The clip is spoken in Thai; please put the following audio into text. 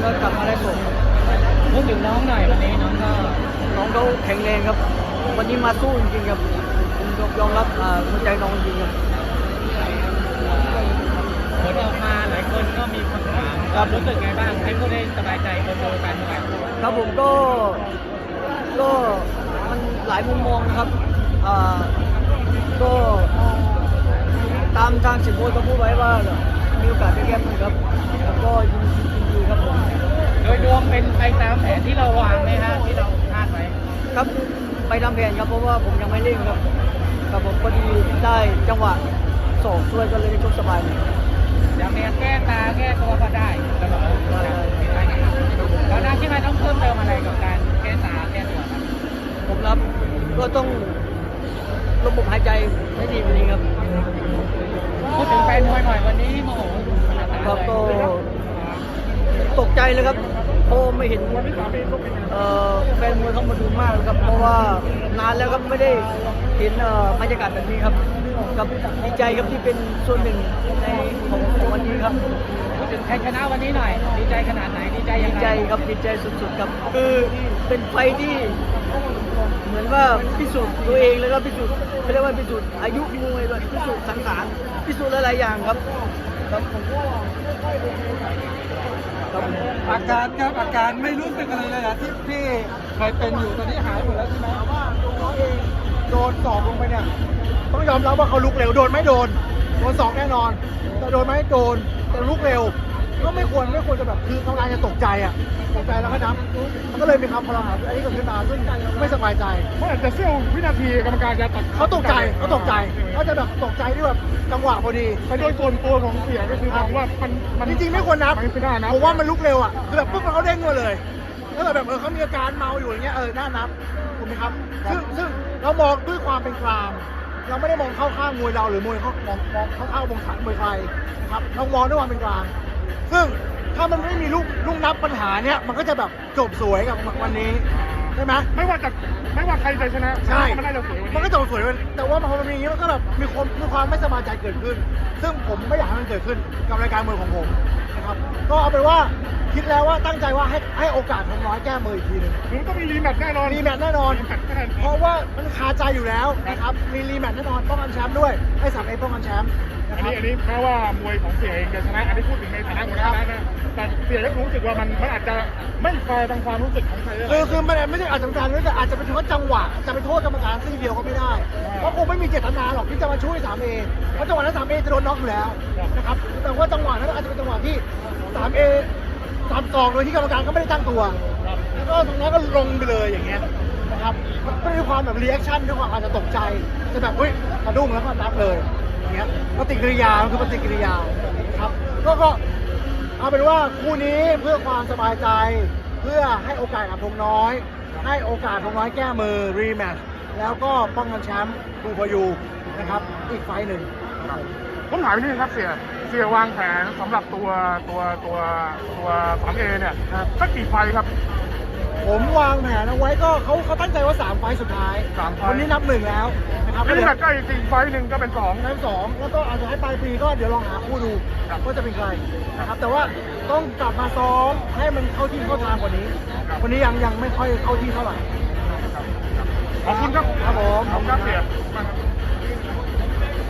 ก็กลับมาได้ส่งพูดถึงน้องหน่อยวันนี้น้องเขาแข็งแรงครับวันนี้มาสู้จริงๆครับผมยอมรับหัวใจน้องจริงครับผลออกมาหลายคนก็มีคำถามครับรู้สึกไงบ้างให้ผู้ได้สบายใจคนดูการแข่งขันครับผมก็มันหลายมุมมองนะครับก็ตามทางสิบโมก็พูดไว้ว่ามีโอกาสได้แก้มือครับแล้วก็ยินดีครับผมโดยรวมเป็นไปตามแผนที่เราวางไหมฮะที่เราคาดไว้ครับไปตามแผนครับเพราะว่าผมยังไม่เร่งครับครับผมพอดีได้จังหวะสองช่วยก็เลยได้ชกสบายอย่างเนี้ยแก้ตาแก้ตัวก็ได้ตลอดเราหน้าที่มันต้องเพิ่มเติมอะไรกับการแก้ตาแก้ตัวครับผมรับก็ต้องระบบหายใจให้ดีกว่านี้ครับพูดถึงแฟนมวยหน่อยวันนี้โมโหครับก็ตกใจเลยครับเพราะไม่เห็นแฟนมวยเข้ามาดูมากครับเพราะว่านานแล้วครับไม่ได้เห็นบรรยากาศแบบนี้ครับกับดีใจครับที่เป็นส่วนหนึ่งในของวันนี้ครับพูดถึงใครชนะวันนี้หน่อยดีใจขนาดไหนดีใจยังไงดีใจครับดีใจสุดๆครับคือเป็นไฟที่เหมือนว่าพิสูจน์ตัวเองแล้วก็พิสูจน์เขาเรียกว่าพิสูจน์อายุมวยด้วยพิสูจน์สังขารพิสูจน์หลายๆอย่างครับอาการไม่รู้สึกอะไรเลยนะที่พี่เคยเป็นอยู่ตอนนี้หายหมดแล้วใช่ไหมว่าตัวเองโดนสอบลงไปเนี่ยต้องยอมรับว่าเขาลุกเร็วโดนไม่โดนสองแน่นอนแต่โดนไม่โดนแต่ลุกเร็วก็ไม่ควรจะแบบคือกรรมการจะตกใจแล้วก็นับมันก็เลยมีคำพลังอันนี้เกิดขึ้นมาซึ่งไม่สบายใจเพราะอาจจะเสี้ยววินาทีกรรมการจะตัดเขาตกใจเขาจะแบบตกใจที่แบบจังหวะพอดีแต่โดยส่วนตัวของเสียก็คือมองว่ามันจริงๆไม่ควรนับผมว่ามันลุกเร็วคือแบบปุ๊บมันเขาเด้งมาเลยแล้วแบบเขามีอาการเมาอยู่อย่างเงี้ยน่านับถูกไหมครับซึ่งเรามองด้วยความเป็นกลางเราไม่ได้มองเข้าข้างมวยเราหรือมวยเขามองเข้าวงขันมวยใครนะครับเรามองด้วยความเป็นกลางซึ่งถ้ามันไม่มีลูกนับปัญหาเนี้ยมันก็จะแบบจบสวยกับวันนี้ใช่ไหมไม่ว่าใครจะชนะใช่มันได้เราสวยมันก็จบสวยแต่ว่าพอมันมีอย่างนี้มันก็แบบมีความไม่สบายใจเกิดขึ้นซึ่งผมไม่อยากให้มันเกิดขึ้นกับรายการมวยของผมนะครับก็เอาเป็นว่าคิดแล้วว่าตั้งใจว่าให้โอกาสของน้อยแก้มืออีกทีนึงมันต้องมีรีแมตช์แน่นอนเพราะว่ามันคาใจอยู่แล้วนะครับมีรีแมตช์แน่นอนป้องกันแชมป์ด้วยให้3Aป้องกันแชมป์อันนี้แม้ว่ามวยของเสียเองจะชนะอันนี้พูดถึงในฐานะหัวหน้านะแต่เสียก็รู้สึกว่ามันอาจจะไม่แฟร์ทางความรู้สึกของใครคือมันไม่ใช่อาจจะเป็นการแต่อาจจะเป็นเพราะจังหวะจะไปโทษกรรมการซี่เดียวก็ไม่ได้เพราะคงไม่มีเจตนาหรอกที่จะมาช่วย 3A เพราะจังหวะนั้น 3A จะโดนน็อกอยู่แล้วนะครับแต่ว่าจังหวะนั้นอาจจะเป็นจังหวะที่ 3A 3-2โดยที่กรรมการก็ไม่ได้ตั้งตัวแล้วก็ตรงนั้นก็ลงไปเลยอย่างเงี้ยนะครับก็มีความแบบรีแอคชั่นด้วยความอาจจะตกใจจะแบบกระดุ้งแล้วก็นับเลยอย่างเงี้ยปฏิกิริยาคือปฏิกิริยาครับก็เอาเป็นว่าคู่นี้เพื่อความสบายใจเพื่อให้โอกาสกับธงน้อยให้โอกาสธงน้อยแก้มือรีแมตช์แล้วก็ป้องกันแชมป์ทูพยูนะครับอีกไฟหนึ่งผมถามนี่ครับเสียวางแผนสำหรับตัว 3A เนี่ยสักกี่ไฟครับผมวางแผนเอาไว้ก็เขาตั้งใจว่า3ไฟสุดท้ายวันนี้นับ1แล้วนะครับแล้วนี่ก็อีกไฟหนึ่งก็เป็น2 แล้วก็อาจจะให้ปลายปีก็เดี๋ยวลองหาคู่ดูว่าจะเป็นใครนะครับแต่ว่าต้องกลับมาซ้อมให้มันเข้าที่เข้าทางกว่านี้วันนี้ยังไม่ค่อยเข้าที่เท่าไหร่ขอบคุณครับครับผมขอบคุณครับเสีย